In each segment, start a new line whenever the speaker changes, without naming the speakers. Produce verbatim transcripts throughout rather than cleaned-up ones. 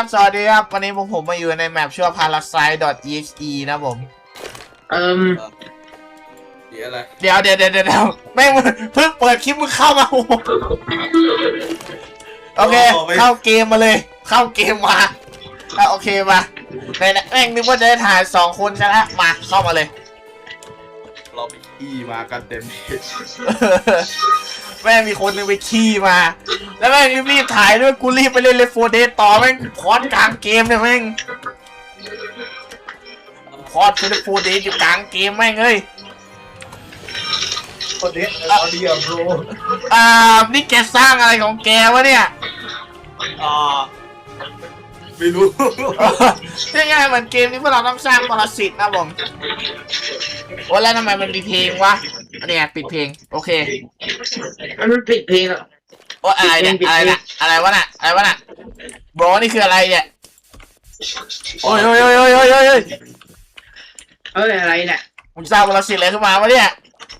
ครับสวัสดีครับวันนี้ผมผมมาอยู่ในแมปชื่อ parasite.exe นะผม
เอิ่ม
เดี๋ยวอะไร
เดี๋ยวเดี๋ยวเดี๋ยวเดี๋ยวแม่งเพิ่งเปิดคลิปมึงเข้ามาโอเคเข้าเกมมาเลยเข้าเกมมาโอเคมาในแม่งนึกว่าจะได้ถ่ายสองคนใช่ไหมมาเข้ามาเลย
เราไปขี้มากันเต็มที่
แม่งมีคนนึงไปขี้มาแล้วแม่งรีบถ่ายด้วยกูรีบไปเล่นเลฟโฟเดสต่อแม่งพอดกลางเกมเนี่ยแม่งพอดเลฟโฟเดสอยู่กลางเกมแม่งเอ้ย
โฟเดสเอาเดียวโบร
อ่านี่แกสร้างอะไรของแกวะเนี่ย
อ่าไม่รู้
ง่ายๆเหมือนเกมนี้พวกเราต้องสร้างปรสิตนะผมโอ้แล้วทำไมมันมีเพลงวะเนี่ยปิดเพลงโอเค
มันปิดเพลงอ่ะ
โอ้อะไรเนี่ยอะไรน่ะอะไรวะน่ะอะไรวะน่ะบอนี่คืออะไรเนี่ยโอ้ยโอ้ยโอ้ยโอ้ยโอ้ยโอ้ย
เอ้ยอะไรเนี่ย
มึงสร้างปรสิตอะไรขึ้นมาวะเนี่ย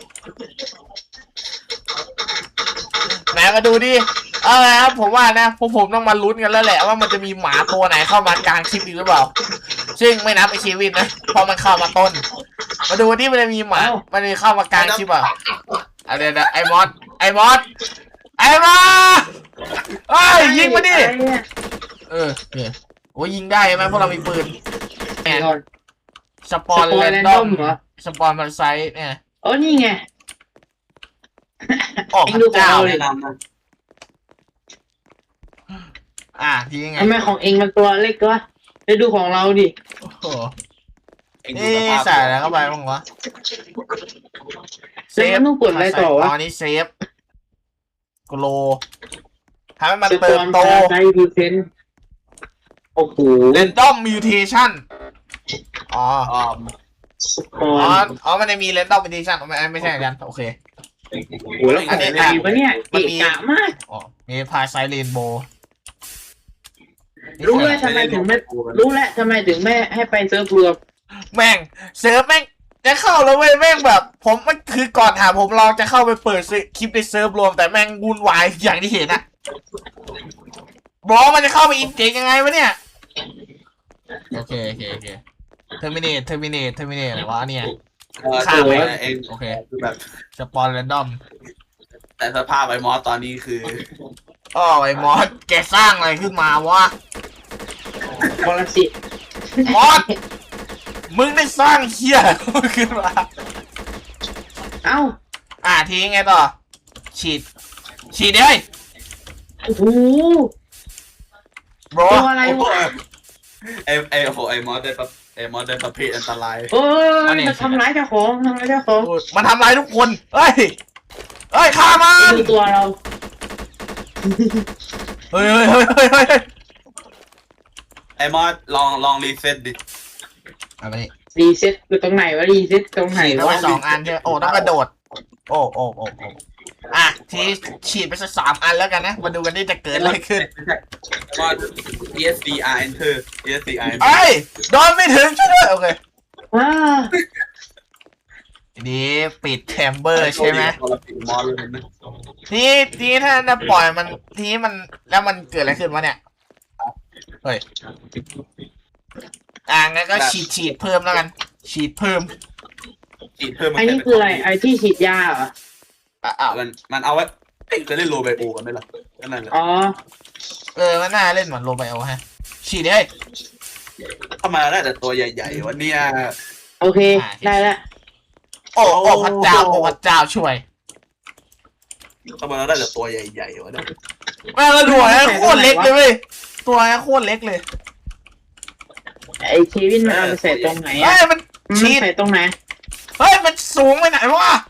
ไหนมาดูดิเอาละครับผมว่านะพวกผมต้องมาลุ้นกันแล้วแหละว่ามันจะมีหมาตัวไหนเข้ามากลางคลิปอีกหรือเปล่าซึ่งไม่นับไอชีวิตนะเพราะมันเข้ามาต้นมาดูที่มันจะมีหมามันจะเข้ามากลางคลิปเปล่าอะไรนะไอมอสไอมอสไอมอสเอ้ยยิงมาดิเออเนี่ยโอ้ยิงได้ไหมพวกเรามีปืนแอนสปอนแรนดอมสปอนมันไซส์เนี่ย
โอ้นี่ไง
ออกเจ้าเลยนะอ่ะทีไง
ทำไมของเองมันตัวเล็กวะไปดูของเราดิ
โอ้โหนี่ใส่แล้วเข้าไปบ้างวะ
เซฟต้องกดอะไรต่อวะ
ตอนนี้เซฟกโลทำให้มันเติบโต
ไซดีเซนโอ้โห
เรนดอมมิวเทชันอ๋ออ๋ออ๋อมันจะมีเรนดอมมิวเทชันไม่ไม่ใช่กันโอเค
โอ้โหแล้วอันนี้อะไรวะเนี่ยมันมีกะมาก
อ๋อมีพาไซเรนโบ
รู้แล้วทำไมถึงไม่รู้แล้วทำไมถึงไม่ให้ไปเซิร์ฟรวม
แม่งเซิร์ฟแม่งจะเข้าแล้วเว้ยแม่งแบบผมมันคือก่อนถามผมลองจะเข้าไปเปิดคลิปในเซิร์ฟรวมแต่แม่งวุ่นวายอย่างที่เห็นอะบอกมันจะเข้าไปอินเจกยังไงวะเนี่ยโอเคโอเคโอเคเทอร์มินเทอร์มินเทอร์มินอะไรวะเนี่ย
ข้ามไปเอง
โอเคแบบสปอนแรนดอม
แต่สภาพไอ้มอสตอนนี้คือ
อ๋อไอ้มอสแกสร้างอะไรขึ้นมาวะ
บอลสิ
มอสมึงได้สร้างเหี้ยขึ้นมา
เอ้า
อ่ะทีไงต่อฉีดฉีดเลย
โอ้โห
บอ
ตัวอะไรวะ
ไอ้ไอ้โหไอ้มอสได้ไอ้มอสได้ประเภทอันตราย
เอ้ยมันทำร้ายเจ้าของทำร้ายเจ้าของ
มันทำร้ายทุกคนเฮ้ยเฮ้ยฆ่ามัน
ดูตัวเรา
เฮ้ยเฮ้ยเฮ้ยเฮ้ย
ไอ้มอสลองลองรีเซ็ตดิ
อะไร
รีเซ็ตคือตรงไหนวะรีเซ็ตตรงไหนวะ
สองอันใช่โอ้ต้องกระโดดโอ้โอ้โอ้โอ้อ่ะทีฉีดไปสักสามอันแล้วกันนะมาดูกันนี่จะเกิดอะไรขึ้น
มอส E S C R enter E S C R
เอ้ยโดนไม่ถึงช่วยด้วยโอเค
ว้า
ทีนี้ปิดแชมเบอร์ใช่ไหมทีทีถ้าจะปล่อยมันทีมันแล้วมันเกิดอะไรขึ้นวะเนี่ยเฮ้ยอ่างั้นก็ฉีดฉีดเพิ่มแล้วกันฉีดเพิ่ม
ฉีดเพิ่ม
ไอ้นี่คืออะไรไอ้ที่ฉีดยาเหรอ
อ่า
มันมันเอาไว้จะเล่นโรไบโอกันไหมล่ะนั่นแหละ
อ๋อ
เออมันน่าเล่นเหมือนโรไบโอฮะฉีดเลย
เข้ามาได้แต่ตัวใหญ่ๆวันนี้
โอเคได้แล้ว
โอ้โอ้พระเจ้าโอ้พระเจ้าช่วย
เข้ามาได้แต่ตัวใหญ่ๆวะเนี่ย
แม่เราดูไอ้โคตรเล็กเลยเว้ยตัวไอ้โคตรเล็กเลย
ไอ้ชีวิตมันเอาไปใส่ตรงไหน
เฮ้ยมัน
ชีใส่ตรงไหน
เฮ้ยมันสูงไปไหนวะ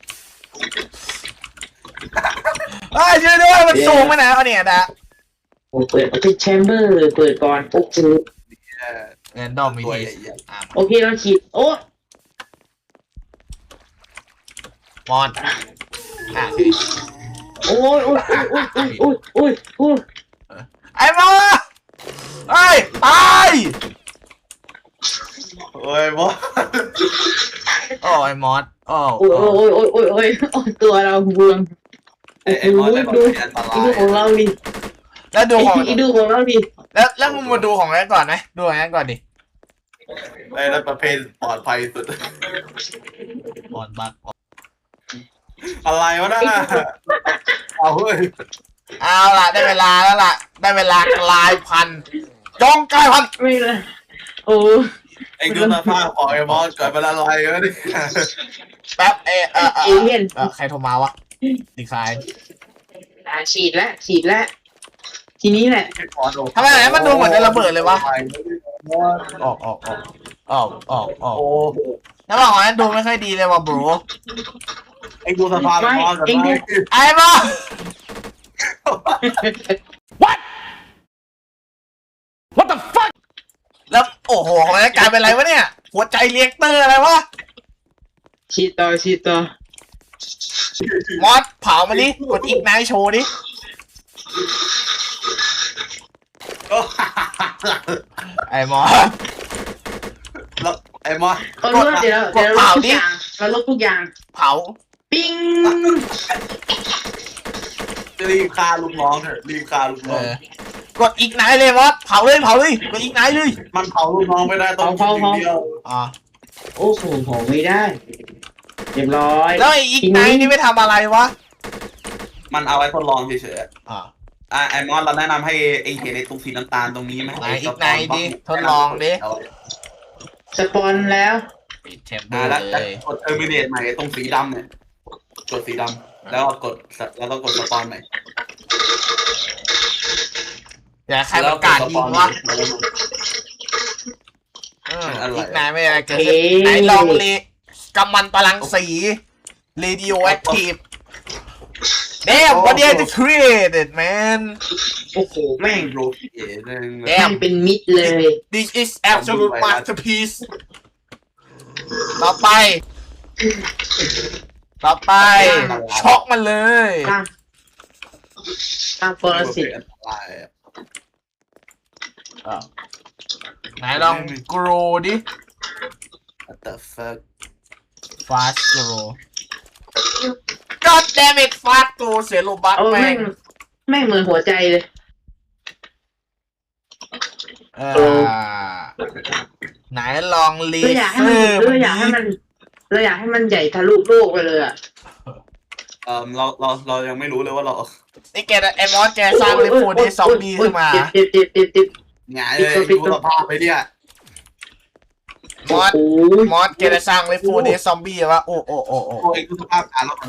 เฮ้ยช่วยด้วยมันสูงไปไหนเอาเนี่ยนะ
โอ้เปิดปิดแชมเบอร์เปิดก่อนโอ้โห
เงินดอมมีที
โอเคเราฉีดโอ้
มอนอ่ะ
โอ้ยโอ้ยโอ้ยโอ้ยโอ้ยโอ้ย
ไอ้มอสไอ้ตาย
โอ้ยมอส
โอ้ไอ้มอสโอ้
โอ้ยโอ้ยโอ้ยโอ้ยโอ้ยตัวเราบวม
ไอ้มอสได้แบบอันตราย
ดูของเราดิ
แล้วดูของ
ดูของเราดิ
แล้วแล้วมึงมาดูของนั้นก่อนนะดูของนั้นก่อนดิ
ไอ้นั่นประเภทปลอดภัยสุด
ก่อนบัก
อะไรวะน่ะเอาเฮ้ย
เอาล่ะได้เวลาแล้วล่ะได้เวลากลายพันธุ์จงกลายพันธุ์
ไม่เลยโอ้
ไอ้ดูสภาพของไอ้มอสเกิดเป็นอะไรวะนี่
แป๊บเออเออเอ
เอ
อ
เลี่ยน
เออใครโทรมาวะดีไซน์
อ่ะฉีดแล้วฉีดแล้วทีนี้แหละ
ทำไมไหนมันดูเหมือนจะระเบิดเลยวะออกออกออกออกออกออก
โอ้
แล้วบอกว่านั้นดูไม่ค่อยดีเลยว่ะบรู
ไอ้ดูสภาพมอสกันไหม
ไอ้บอ What the fuck แล้วโอ้โหของนั้นกลายเป็นอะไรวะเนี่ยหัวใจเรียกเตอร์อะไรวะ
ฉีดต่อฉีดต่อ
มอสเผามาดิกดอีกนายโชว์ดิไอ้มอส
แล้วไอ้มอส
เอาเลือดเดี๋ยวเดี๋ยวเราลบทุกอย่างเราลบทุกอย่าง
เผา
ปิ้ง
รีบฆ่าลูกน้องเถอะรีบฆ่าลูก
เอ
น้อง
อกดอีกนายเลยมอสเผาเลยเผาเลยกดอีกนายเลย
มันเผาลูกน้องไม่ได้ต้องกินอย่างเดียว
อ่า
โอ้โหโหไม่ได้เรียบร้อย
แล้วไอ้อีกนายนี่ไม่ทำอะไรวะ
มันเอาไว้ทดลองเฉย
อ่า
ๆอ่ะไอ้มอสเราแนะนำให้ไอ้เห็นไอ้ตรงสีน้ำตาลตรงนี้ไหม
ไหนอีกไหนดิทดลองดิ
สปอนแล้ว
ปิดแชมเบอ
อ่า
ร์
แล้ว
เลย
กดเทอร์มินเนตใหม่ตรงสีดำเนี่ยกดสีดำแล้วกดแล้วก็กดสปอนใหม่
อย่าใครประกาศยิงวะเอออีกนายไม่อะไรเกิดขึ้นไหนลองเลกำมันพลังสี radioactive Damn what did you created man
โอ้โหแม่ง
โรเอ๋นึง
แม่งเป็นมิดเลย
This is absolute masterpiece ต่อไป ต่อไป ช็อกมันเลย
ตั้งตั้งปรสิต
อ้าวไหนลอง grow ดิ
What the fuck
fast grow God damn it fast grow เสียโลบัค
โอ้
แม่
แม่
ง
งแม่งเหมือนหัวใจเลย
เออไหนลองลี
เราอยากให้
เซ
มัน
อร์
เราอยากให้มันเราอยากให้มันใหญ่ทะลุโลกไปเลยอ่ะ
เออเราเราเรายังไม่รู้เลยว่าเรา
นี่แกไอ้มอสแกสร้างเลฟโฟเดซอมบี้ขึ้นมา
เจ็บเจ็บเจ็บเจ็บเจ็บ
หงายเลยดูสภาพไปเนี่ย
มอส
โอ้ย
มอสแกจะสร้างเลฟโฟเดซอมบี้วะโอ้โอ้โอ้โอ้
โอ้ยดูสภาพการแล้วมัน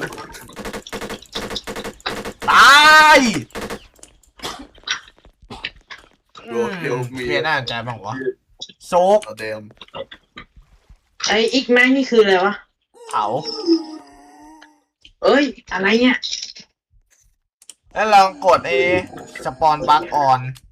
ตายอื
โร
ม
เทลมี
เพียน่าสนใจบ้างวะโซก
เดิม
ไออีกแม่งนี่คืออะไรวะ
เผา
เอ้ยอะไรเนี่ย
แล้วลองกดไอ้สปอนบัคออน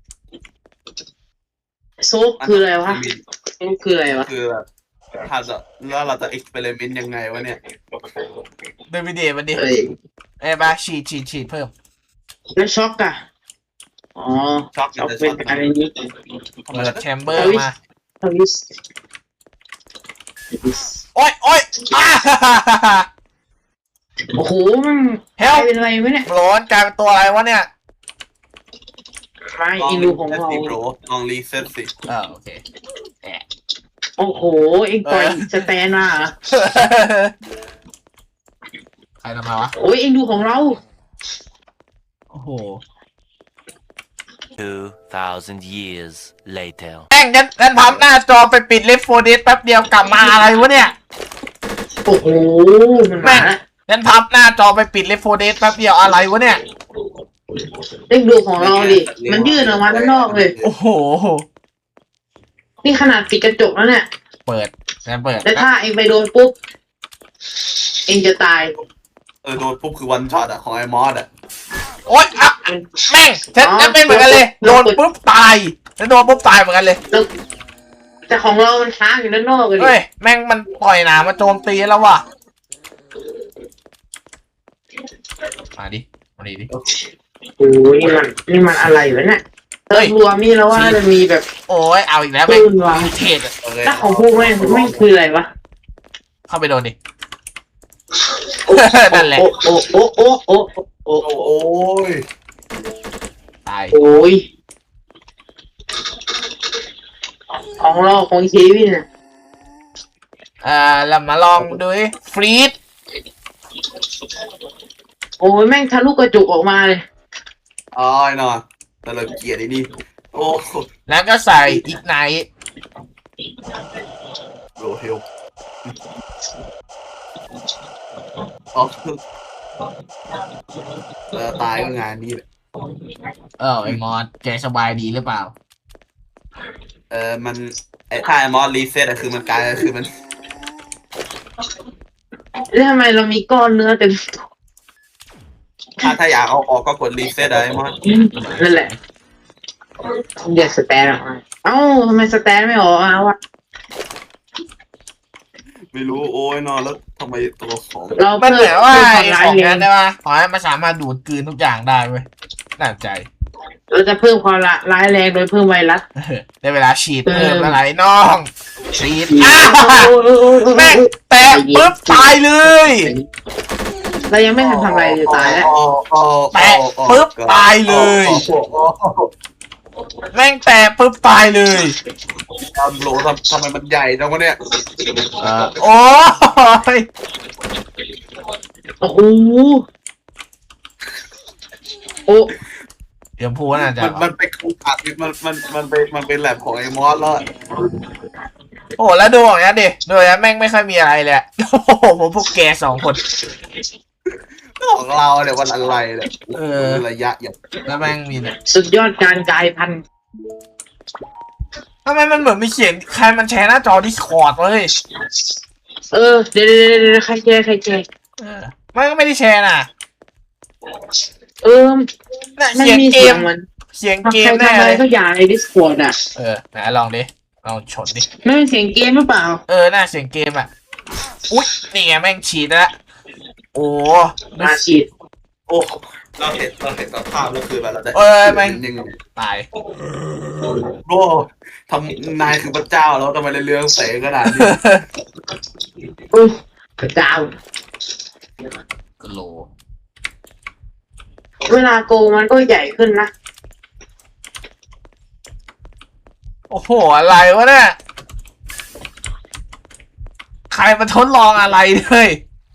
โซกคืออะไรวะโซกคืออะไรวะ
คือแบบถ้าจะแล้วเราจะเอ็กซ์เพร์เมนต์ยังไงวะเนี่ย
เดวิดเดมันดิ
เอ้ย
เอ้ยบาฉีดฉีดฉีดเพิ่ม
แล้วช็อกอะอ๋อ
ช็อก
ช็อก
จะ
เป็
ช็
น
อก
อะไรนี้
เปิดแชมเบอร์มา
ทวิสทวิส
โอ๊ยโอ๊ยอ้า
โอ้โหมัน
เฮ
กลา
ล
ยเป็นอะไรวะเนี่ย
ร้อนกลายเป็นตัวอะไรวะเนี่ย
ไม่อินูของเรา
โปรลองรีเซ็ตสิ
เออโอเคแอะ
โอ้โหเอ็งปล่อยสแตนมาเหรอ
ใครทำมาวะ
โอ้ยเอ็งดูของเรา
โอ้โห
Two thousand years later.
แม่งงั้นงั้นพับหน้าจอไปปิดเลฟโฟเดสแป๊บเดียวกลับมาอะไรวะเนี่ย
โอ้โหมันมาแล้ว
งั้นพับหน้าจอไปปิดเลฟโฟเดสแป๊บเดียวอะไรวะเนี่ย
เอ็งดูของเราดิมันยื่นออกมาด้านนอกเลย
โอ้โห
นี่ขนาดปิดกระจกแล้วเนี่ย
เปิดงั้นเปิด
แล้วถ้าเอ็งไปโดนปุ๊บเอ็งจะตาย
เออโดนปุ๊บคือวันช็อตอะของไอ้มอสอะ
โอ๊ยอ่ะแม่งฉันฉันเป็นเหมือนกันเลย โดนปุ๊บตายฉันโดนปุ๊บตายเหมือนกันเลย
แล้วแต่ของเรามันค้างอยู่ด้านนอกเลยดิ
เฮ้ย แม่งมันปล่อยหนามาโจมตีแล้วว่ะ มาดิ มาดิดิ
โอ้ยนี่มันนี่มันอะไรวะเนี่ย
เฮ้
เติ
ย
มรวมนี่แล้วว่าจะมีแบบ
โอ้ย เอาอีกแล้ว
ปื
แม่ง
นวาง
เทศอะ
โอเค
ถ้าของพวกแม่งไม่งคืออะไรวะ
เข้าไปโดนดิ นั่นแหละ
โอ้โอ้โอ้โอ้โอ้โอ้
โอ้ย
ตาย
โอ้ยของเราของเควินอ่ะ
อ่าเรามาลองดูดิฟรีด
โอ้ยแม่งทะลุกระจกออกมาเลย
อ๋อไอ้นอนแต่เราเกลียดไอ้นี่โอ้โห
แล้วก็ใส่อีกไนท์
โรเฮลอ๋อเออตายก็งานนี้แหละ
เออไอมอสแกสบายดีหรือเปล่า
เออมันไอ้ถ้าไอ้มอสรีเซ็ตอะคือมันกลายคือมัน
แล้วทำไมเรามีก้อนเนื้อเต็ม
ถ้าถ้าอยากเอาออกก็กดรีเซ็ตอะไอ้มอส
นั่นแหละเดี๋ยวสแตนออกมาเอ้าทำไมสแตนไม่ออกมาวะ
ไม่รู้โอ้ยนอนแล้วทำไมตัวของ
เรา
มัน
เพิ่
เหมือนว่า
เพิ่ม
ไอ้
ความร้า
ข
ย
อง
แร
นั้
ง
นได้ปะขอให้มันสามารถดูดกลืนทุกอย่างได้เว้ยน่าสนใจ
เราจะเพิ่มความร้ายแรงโดยเพิ่มไวรัส
เออได้เวลาฉีด
เออ
เพิ่มอะไรน้องฉีดอ้า
โอ้ยโอ้ยโอ้ยโอ้ย
แม่งแตะปุ๊บตายเลย
เรายังไม่ทันทำอะไรเลยตายแล้ว
แตะปุ๊บตายเลย แม่งแตะปุ๊บตายเลย
ทำโหลทำทำไมมันใหญ่จังวะเนี่ย
เออโอ้ย
โอ้โหโอ้
เดี๋ยวพูดน่าจะ
มันมันเป็นคูอัดมันมันมันเป็นมันเป็นแลบของไอ้มอสแล้ว
โอ้แล้วดูอย่างนี้ดิดูอย่างนี้แม่งไม่ค่อยมีอะไรเลยอะโอ้โหผมพวกแกสองคน
ของเราเนี่ยวันอะไรเนี่ย
เออ
ระยะอย่าง
แล้วแม่งมีเนี่ย
สุดยอดการกลายพันธุ์
ทำไมมันเหมือนมีเขียนใครมันแชร์หน้าจอดิสคอร์ดเลย
เออเดี๋ยวเดี๋ยวเดี๋ยวใครแชร์ใครแชร์
เออมันก็ไม่ได้แชร์น่ะ
เออ
น่ะ
มัน
เขียน
มี
เก
เสีย
ม
งมัน
เขียน
ใคร
เกม
ทำ
แน่
อะไร
เลย
ก็อย่างใน Discord อ่ะ
เออไหนลองดิลองชนดิ
ไม่เป็นเสียงเกมหรือเปล่า
เออน่าเสียงเกมอ่ะอุ๊ยนี่ไงแม่งฉีดแล้วโอ้
มาฉีด
โอ้เราเห็นเราเห็นสภาพแล้วคือแบบเราได้
เออแม่ง
ยัง
ตาย
โอ้ทำนายคือพระเจ้าแล้วทำไมเรื่องเสกขนาดนี้
อุ้ยพระเจ้า
กโล
เวลาโกงมันก็ใหญ่ขึ้นนะ
โอ้โหอะไรวะเนี่ยใครมาทดลองอะไรเลย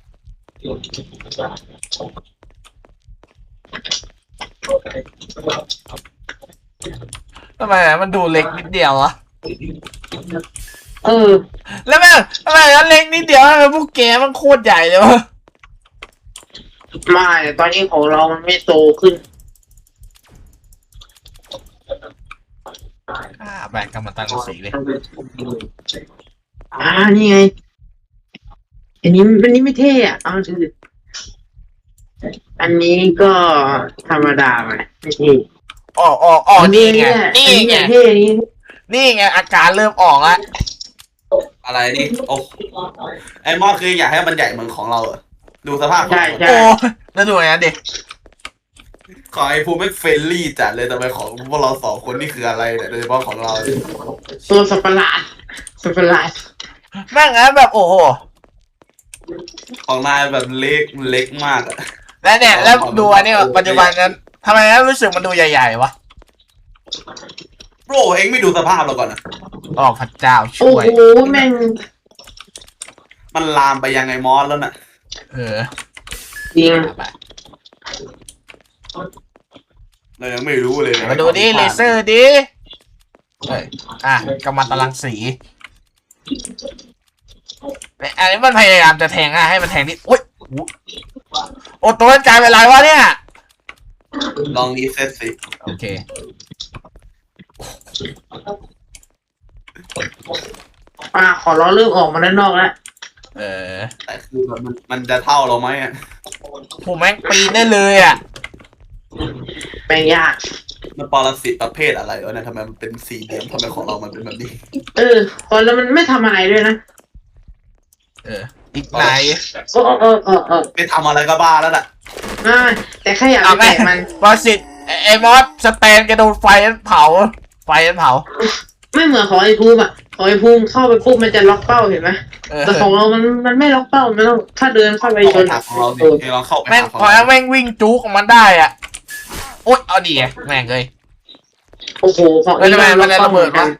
ทำไมอะมันดูเล็กนิดเดียวอะ
เออ
แล้วแม่งทำไมมันเล็กนิดเดียวทำไมพวกแกมันโคตรใหญ่เลยวะ
ไม่ตอนนี้ของเรามันไม่โตขึ้น
อ่าแบกกำมันตั้งสีเลย
อ่านี่ไง อันนี้อันนี้ไม่เท่อะเอาดูดิอันนี้ก็ธรรมดาไปไม่เท่
อ๋ออ๋ออ๋อนี่ไง
อั
นี่ไง
เท่อันนี้
นี่ไงอาการเริ่มออกแล้ว
อะไรนี่โอ้ไอ้มอสคืออยากให้มันใหญ่เหมือนของเราเหรอดูสภาพ
ใช่ใช่
โอ้แล้วดูอย่างนั้นดิ
ของไอ้ภูมิไม่เฟรนลี่จัดเลยแต่ไปของพวกเราสองคนนี่คืออะไรเนี่ยโดยเฉพาะของเรา
ตัวสัตว์ประหลาดสัตว์ประหลาด
แม่งงั้นแบบโอ้โห
ของนายแบบเล็กเล็กมากอะ
แล้วเนี่ยแล้วดูอันนี้ปัจจุบันนั้นทำไมนั้นรู้สึกมันดูใหญ่ๆวะ
โบรเองไม่ดูสภาพเราก่อนนะ
อ๋อพระเจ้า
โอ้
ช่วย
โหแม่ง
มันลามไปยังไงมอสแล้วน่ะ
เออ
จริง
ไป
เรายังไม่รู้เลย
มาดูดิเลเซอร์ดิเฮ้ยอ่ะกำมันตารางสีเนี่ยอันนี้มันพยายามจะแทงอ่ะให้มันแทงที่โอ๊ยโอ้ตัวมันกลายเป็นไรวะเนี่ย
ลองรีเซ็ตสิ
โอเค
อ่าขอล้อเริ่มออกมาด้านนอกแล้ว
เออ
แต่คือแบบมันมันจะเท่าเราไหมอะ
ผมแม่งปีนได้เลยอ่ะ
แม่งยาก
มันปรสิตประเภทอะไรวะเนี่ยทำไมมันเป็นสี่เหลี่ยมทำไมของเรามันเป็นแบบนี้
เออพอแล้วมันไม่ทำอะไรด้วยนะ
เออ อีกไหน
เออเออเออเออ
ไปทำอะไรก็บ้าแล้วน่ะ
อ่าแต่แค่อยาก
เอา
ไป
แม่
แตะมัน
บอสิตไอ้ไอ้มอสสแตนกระโดดไฟนั้นเผา ไฟนั้นเผา
ไม่เหมือนของไอ้ภูมิอ่ะของไอ้ภูมิเข้าไปปุ๊บมันจะล็อกเป้าเห็นไหม
เออ
แต่ของเรามันมันไม่ล็อกเป้ามันต้องถ้าเดินเข้าไปชน
หาของเราดิเองลองเข้าไป
แม่ง
หาของ
พอ
เรา
แม่งวิ่งจุกของมันได้อ่ะโอ๊ยเอาดีไงแม่งเลย
โอ้โหของ
เฮ้ยทำไมมันระเบิดวะ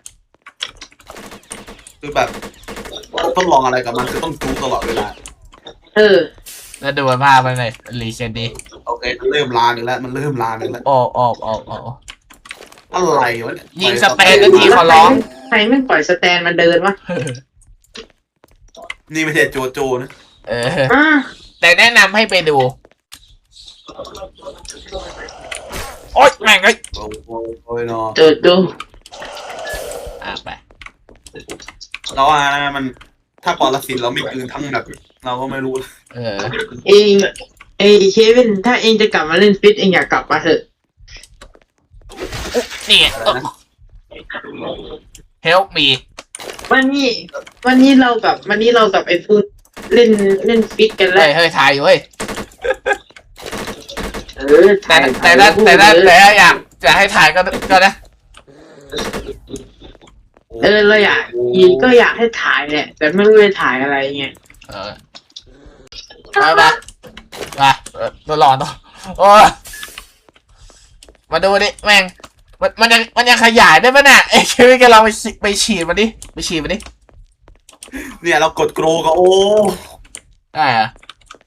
คือแบบต้องลองอะไรกับมันคือต้องจู๊ตลอดเวลา
เออ
แล้วดูภาพมันเลยรีเซ็ตดี
โอเคมันเริ่มลามอีกแล้วมันเริ่มลามอีกแล้ว
ออกออกออกออก
อะไรวะเนี่ย
ยิงสเปนนาทีขอร้อง
ใครไม่ปล่อยสแตนมันเดินวะ
นี่ไม่ใช่โจโจนะ
เออ
อ่า
แต่แนะนำให้ไปดู โอ๊ยแม่งเอ้ย
โอ้โหโอ้ยเนาะ
โจโจ
อ่ะไป
เราว่านะมันถ้าปรสิตเราไม่กลืนทั้งแบบเราก็ไม่รู้
เออ
เองเอยเควินถ้าเองจะกลับมาเล่นฟิตเองอยากกลับมาเถอะ
นี่ไง help me
วันนี้วันนี้เรากับวันนี้เรากับไอ้ฟูเล่นเล่นฟิตกันแล้
เฮ้
วย
เฮ้ยถ่ายอยู่เฮ้ย
เออ
แต่
ถ่าย
แต่ถ้าแต่ถ้า
ถ่ายรูป
แต่ถ้าอยากจะให้ถ่ายก็ก็นะ
เออเราอยากอีกก็อยากให้ถ่ายแหละแต่ไม่รู้จะถ่ายอะไรไง
เออไปไปไปเออตัวหลอนตัวโอ้ยมาดูดิแม่งมันมันยังมันยังขยายได้ปะเนี่ยไอ้คิวกันเราไปฉีไปฉีดมันดิไปฉีดมันดิ
เนี่ยเรากดโกรก็โอ้
ได้เหรอะ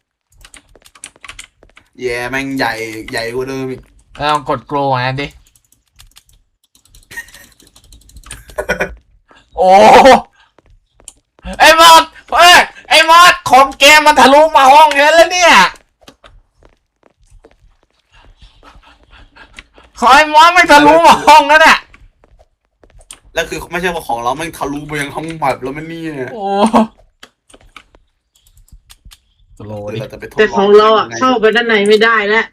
แย่แม่งใหญ่ใหญ่กว่าเดิมอีก
เราลองกดโกรอันนั้นดิ โอ้ไอ้มอดเอ้ยไอ้มอดคอมเกมมันทะลุมาห้องนี้แล้วเนี่ยขอไอ้มอดไม่ทะลุมาห้องนั้นน่ะ
แล้วคือไม่ใช่ว่าของเราแม่งทะลุไปยังห้องหมับแล้วมันนี่เนี่ย
โอ้สโลว์ดิ
เราจะไปทดล
แต่ของเราอ่ะเข้าไปด้านในไม่ได้แล้ว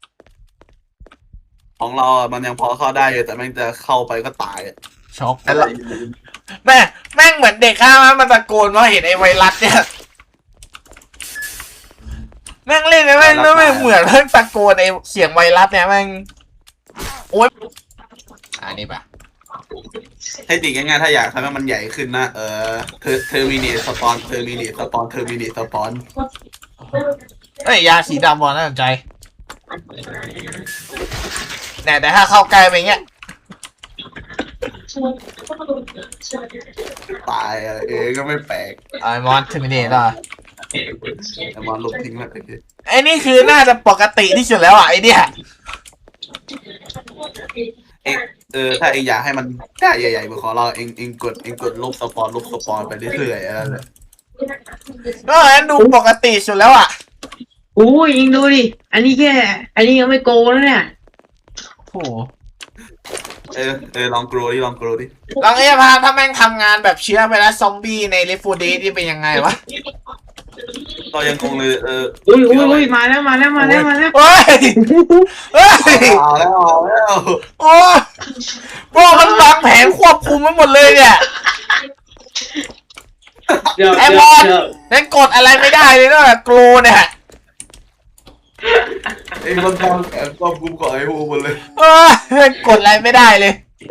ของเราอ่ะมันยังพอเข้าได้อยู่แต่แม่งจะเข้าไปก็ตายอ่ะ
ช็อกแล้วแม่แม่งเหมือนเด็กข้างมันมันตะโกนว่าเห็นไอ้ไวรัสเนี่ยแม่งเล่นแล้วแม่งแล้วแม่งเหมือนเพิ่งตะโกนไอ้เสียงไวรัสเนี่ยแม่งโอ๊ยอันนี้ปะ
ให้ติง่ายๆถ้าอยากทำให้มันใหญ่ขึ้นนะเออเทอร์เทอร์มินีสปอนเทอร์มินีสปอนเทอร์มินีสปอน
เอ้ยยาสีดำบอลน่าสนใจแต่แต่ถ้าเข้าใกล้ไปเงี้ย
ตายอ่ะเองก็ไม่แปลก
ไอ้มอนเทอร์มินเนตอ่ะ
แต่มันลบทิ้งแล้วไอ้เหี้ย
ไอ้นี่คือน่าจะปกติที่สุดแล้วอ่ะไอ้เนี่ย
เองเออถ้าเองอยากให้มันได้ใหญ่ๆเหมือนของเราเองเองกดเองกดลบสปอนลบสปอนไปเรื่อยๆอะไรเลย
ก็อันดูปกติสุดแล้วอ่ะ
อู้ยยิงดูดิอันนี้แค่อันนี้ยังไม่โกงแล้วเนี่ย
โอ้โห
เออเออลองกรดิลองกรดิ
ลองเอ้พาถ้าแม่งทำงานแบบเชื้อไปแล้วซอมบี้ในเลฟูเดสนี่เป็นยังไงวะ
ก็ยังคงเลยเออ
อุ้ยอุ้ยอุ้ยมาแล้วมาแล้วมาแล้วมาแล้ว
เฮ้ยเฮ้ย
เอาแล้วเอาแล้ว
โอ้ยพวกมันวางแผนควบคุมไว้หมดเลยเนี่ย
เดี๋ยว
ไอ้
เดี๋
บ
ยว
อล
เดี๋ยว
นั่นกดอะไรไม่ได้เลยนอกจากโกลเนี่ย
ไอ้มันทำแผนควบคุมกับไอ้พวกมันเลย
เออกดอะไรไม่ได้เลย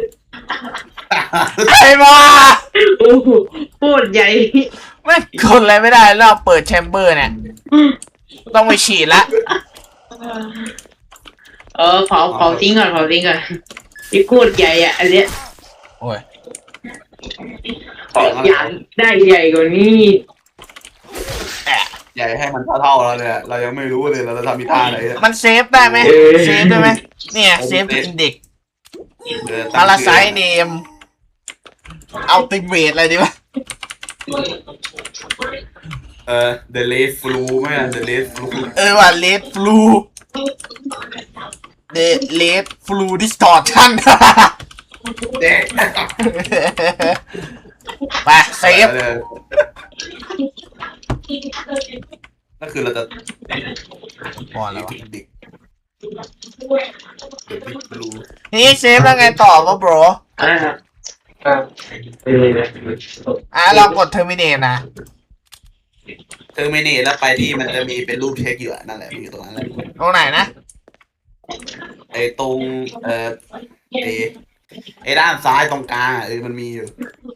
ไอ้บอล
โอ้โหโคตรใหญ่
ไม่กดอะไรไม่ได้แล้วเปิดแชมเบอร์เนี่ยต้องไปฉีดละ
เออเผาเผาทิ้งก่อนเผาทิ้งก่อนนี่โคตรใหญ่อ่ะอันเนี้ย
โอ้ย
อยากได้ใหญ่กว่านี้
แอะ
ใหญ่ให้มันเท่าๆเราเนี่ยเรายังไม่รู้เลยเราจะทำมีท่าไหนอะ
มันเซฟได้ไหมเซฟได้ไหมเนี่ยเซฟอินเด็ก
เออ
พาราไซเนมอัลติเมทอะไรดีวะ
เออ the late flu ไหมอะ the late flu
เออว่าเลดฟลูเดเลดฟลูดิสตอร์ชัน
เด็ก
ไปเซฟ
ก็คือเราจะ
พอแล้ววะ
เด็กเด็กฟลู
นี่เซฟแล้วไงต่อวะ bro
อ่าครับเออ
อ่ะลองกดเทอร์มินเนตนะ
เทอร์มินีแล้วไปที่มันจะมีเป็นรูปเช็คอยู่อะนั่นแหละมันอยู่ตรงนั้นแหละ
ตรงไหนนะ
ไอ้ตรงเอ่อไอ้ไอ้ด้านซ้ายตรงกลางอะเออมันมีอยู่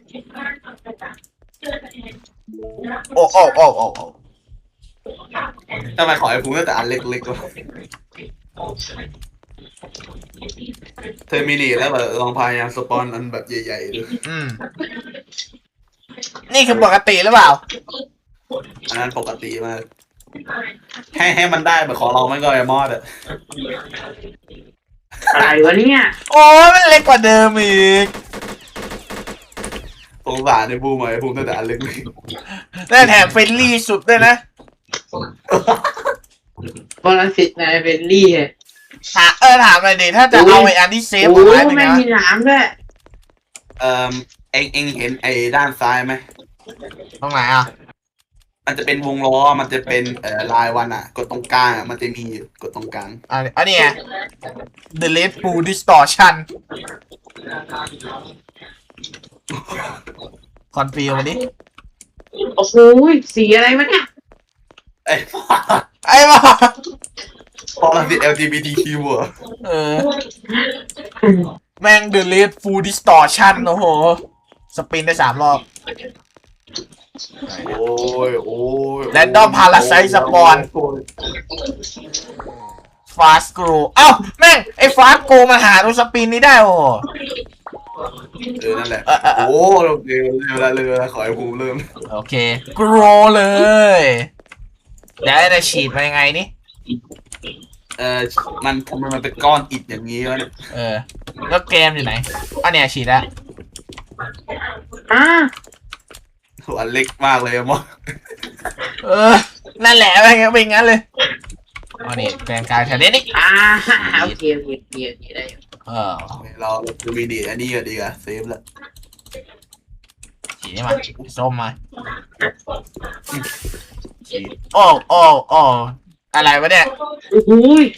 โอ้โอ้โอ้โอ้โอ้
ทำไมขอไอ้ฟูตั้งแต่อันเล็กๆวะเทอร์มินีแล้วแบบลองพยายามสปอนอันแบบใหญ่ๆดู
อืม นี่คือปกติหรือเปล่า
อันนั้นปกติมากให้ให้มันได้แบบของเราไม่ก็ไอมอดอะ
อะไรวะเนี่ย
โอ้ยมันเล็กกว่าเดิมอีก
สงสารในบูมไอ้บูมตั้งแต่อันเล็ก
ได้แถมเฟรนลี่สุดด้วยนะ
ปรสิตในเฟรนลี่อะ
ถามเออถามหน่อยดิถ้าจะเอาไอ้อันที่เซฟ
โอ้
เอา
โห
ไว้เป็นไง
ไม่
วะ
มีน้ำด้วย
เอ่อเอ็งเอ็งเห็นไอ้ด้านซ้ายไหม
ตรงไหนอ่ะ
มันจะเป็นวงล้อมันจะเป็นเอ่อลายวันอะกดตรงกลางอะมันจะมีอยู่กดตรงกลาง
อันนี้อันนี้ไง The Red Bull Distortion คอนฟิวมาดิ
โอ้โหสีอะไรวะเนี่ย
ไอ้
ไอ้บ้า
พอเราติด แอล จี บี ที คิว เหรอ
เออ แม่ง The Red Bull Distortion โอ้โห สปินได้สามรอบ
โอ้ยโอ้ย
Random Parasite Spawn Fast Grow เอ้าแม่ง ไอ้ Fast Grow มาหาตรงสปินนี้ได้โอ้โห
เออนั่นแหละ
เออเออเออ
โอ้โอเคเวลาเลยเวลาขอให้ภูมิเริ่ม
โอเค Grow เลยแล้วไอ้ฉีดมายังไงนี่
เออมันทำไมมันเป็นก้อนอิฐอย่างนี้วะเนี่ย
เออ แล้วเกมอยู่ไหนอันเนี้ยฉีดแล้ว
อ่า
หัวเล็กมากเลยอะมอ
เออ นั่นแหละเป็นงั้นเป็นงั้นเลยอันนี้แปลงกายแถวนี้นี่
อ่าโอเคโอเคโอเคโอเคได้อยู่
เออ
เราดูมีดีอันนี้ก็ดีอะเซฟแล้ว
ฉีดนี่มาส้มมาฉีดโอ้โอ้โอ้อะไรวะเนี่ย
โอ้โห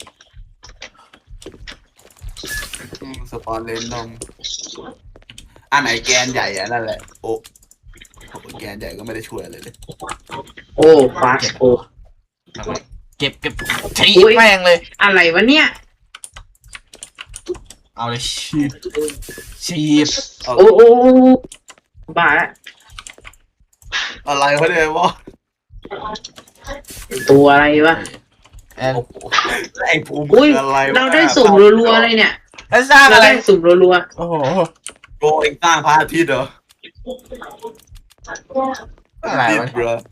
อืมสปอนเลนดอมอันไหนแกนใหญ่อะนั่นแหละโอ้โหแกนใหญ่ก็ไม่ได้ช่วยอะไรเลย
โอ้ฟาสโอ้
เก็บเก็บฉีดแม่งเลย
อะไรวะเนี่ย
เอาเลยฉีดฉีด
โอ้โอ้โอ้บ้าละ
อะไรวะเนี่ยวะ
ตัวอะไรวะ
เออ
โอ้โหไอ้ภูมิ
อุ้ย
อะไรวะ
เราได้สุ่มรัวๆเลยเนี่ย
แล้วสร้าง
เรา
อะไร
ได้สุ่มรัว
โอ้โห
โกเองสร้างพระอาทิตย์เหรอ
อะไร
อาทิต
วะ
ย์เหรอ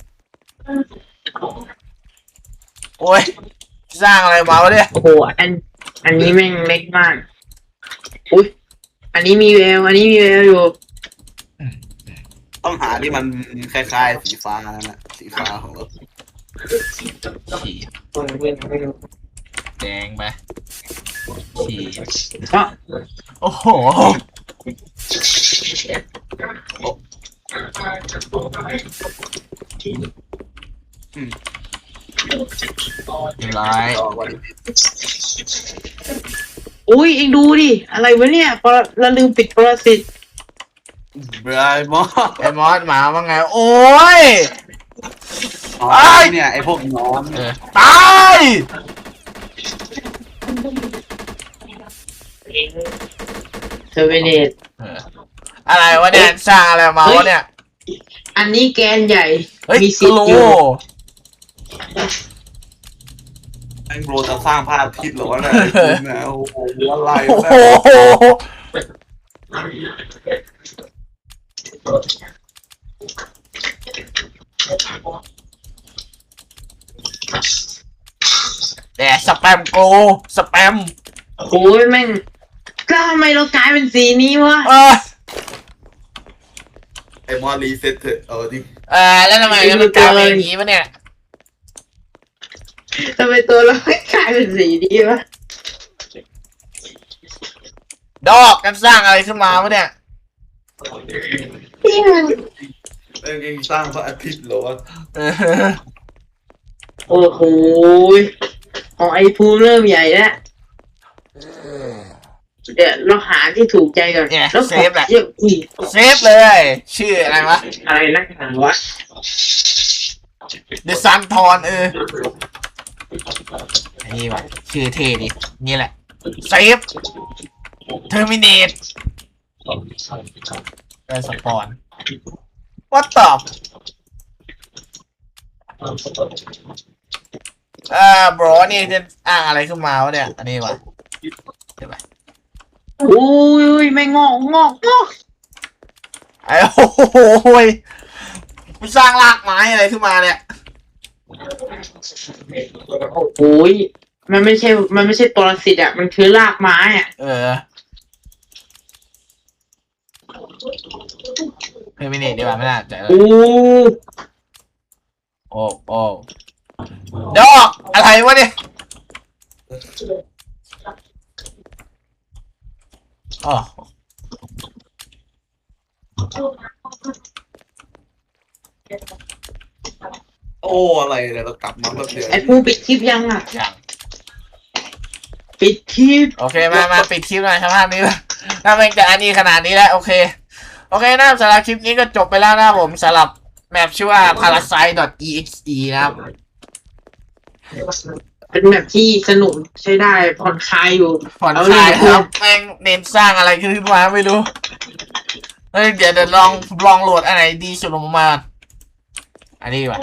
โอ้ยสร้างอะไรมาวะเนี่ย
ๆโอ้โหอัน อันนี้แม่งเล็กมากอุ้ยอันนี้มีแววอันนี้มีแววอยู่
ต้องหาที่มันคล้ายๆสีฟ้านั่นแหละสีฟ้าของเรา
ฉีดแดงไปฉีด
เพราะ
โอ้โหเรียบร้อย
ต่อวัน
อุ้ยเองดูดิอะไรวะเนี่ยปรเราลืมปิดปรสิต
บรายมอ
ไอ้มอสหมาว่าไง โอ้ย
อ๋อเนี่ยไอ้พวกน้อน
เออตาย
เทอร์เวเนต
เอออะไรวะเนี่ยสร้างอะไรมาวะเนี่ย
อันนี้แกนใหญ่
เฮ้ย
มี
ก
สิท
โล
ธิ์อยู่
ไอ้โบรจะสร้างพระอาทิตย์เหรอวะเนี่ยไอ้ภูมิเนี่ยโอ้โหอะไร
โอ้
วะ
โห
เนี่ย
แต่สแปมโกสแปม
โอ้ยแม่งก็ทำไมเรากลายเป็นสีนี้วะ
เออ
ไอ้มอรีเซ็ตเถอะเออดิ
เออแล้วทำไมมันกลายเป็นอย่างนี้วะเนี่ย
ทำไมตัวเราไม่กลายเป็นสีนี้วะ
ดอกกันสร้างอะไรขึ้นมาวะเนี่ย
เนี่ย
เอ็งเอ็งสร้างพระอาทิตย์เหรอวะ
เออ
โอ้โหยของไอ้ภูมิเริ่มใหญ่แล้วเดี๋ยวเราหาที่ถูกใจก่อน
เนี่ย
แล้ว
เซฟแหละ
เยอะอีก
เซฟเลย ชื่ออะไรวะ
อะไรนักหนาวะ
The Sun ทอนเออไอ้นี่วะชื่อเท่ดินี่แหละเซฟเทอร์มินเตได้สปอนวัดตอบเอ่อบรอนี่จะอ้างอะไรขึ้นมาวะเนี่ยอันนี้วะเดี๋ยวไป
อุ้ยไม่งอกงอกงอก
ไอ้โอ้โหยมึงสร้างรากไม้อะไรขึ้นมาเนี่ย
โอ้ยมันไม่ใช่ มันไม่ใช่ตัวสิทธิ์อ่ะ มันคือรากไม้อ่ะ
เออเฮ้ยไม่นี่ดีกว่าไม่น่าใจเลย
โอ้
โอ้โอ้ดอกอะไรวะเนี่ยอ๋อ
โอ้อะไรเนี่ยเรากลับมาแบบเดียว
ไอ้ปูปิดคลิปยังอ่ะ
อย่าง
ปิดคลิป
โอเคมามาปิดคลิปหน่อยครับภาพนี้ละถ้ามันจะอันนี้ขนาดนี้แล้วโอเคโอเคนะสำหรับคลิปนี้ก็จบไปแล้วนะผมสำหรับแมปชื่อว่า parasite.exe นะครับ
เป็นแบบที่สนุกใช้ได้ผ่อนคลายอยู่
ผ่อน
เอา
ค
เล
ลาย
ย
ครับแม่งเน้นสร้างอะไรขึ้นมาไม่รู้เฮ้ยเดี๋ยวเดี๋ยวลองลองโหลดอันไหนดีสุดลงมา อันนี้ดีกว่า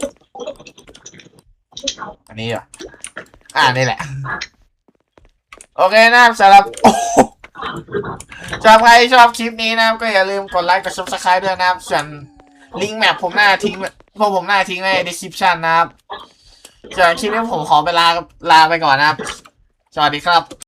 อันนี้ดีกว่าอ่านี่แหละ โอเคนะครับสำหรับโอ้โหสำหรับใครชอบคลิปนี้นะครับก็อย่าลืมกดไลค์กด subscribe ด้วยนะครับส่วนลิงก์แมปผมหน้าทิ้งพวกผมหน้าทิ้งไว้ใน description นะครับส่วนคลิปนี้ผมขอไปลาลาไปก่อนนะครับ สวัสดีครับ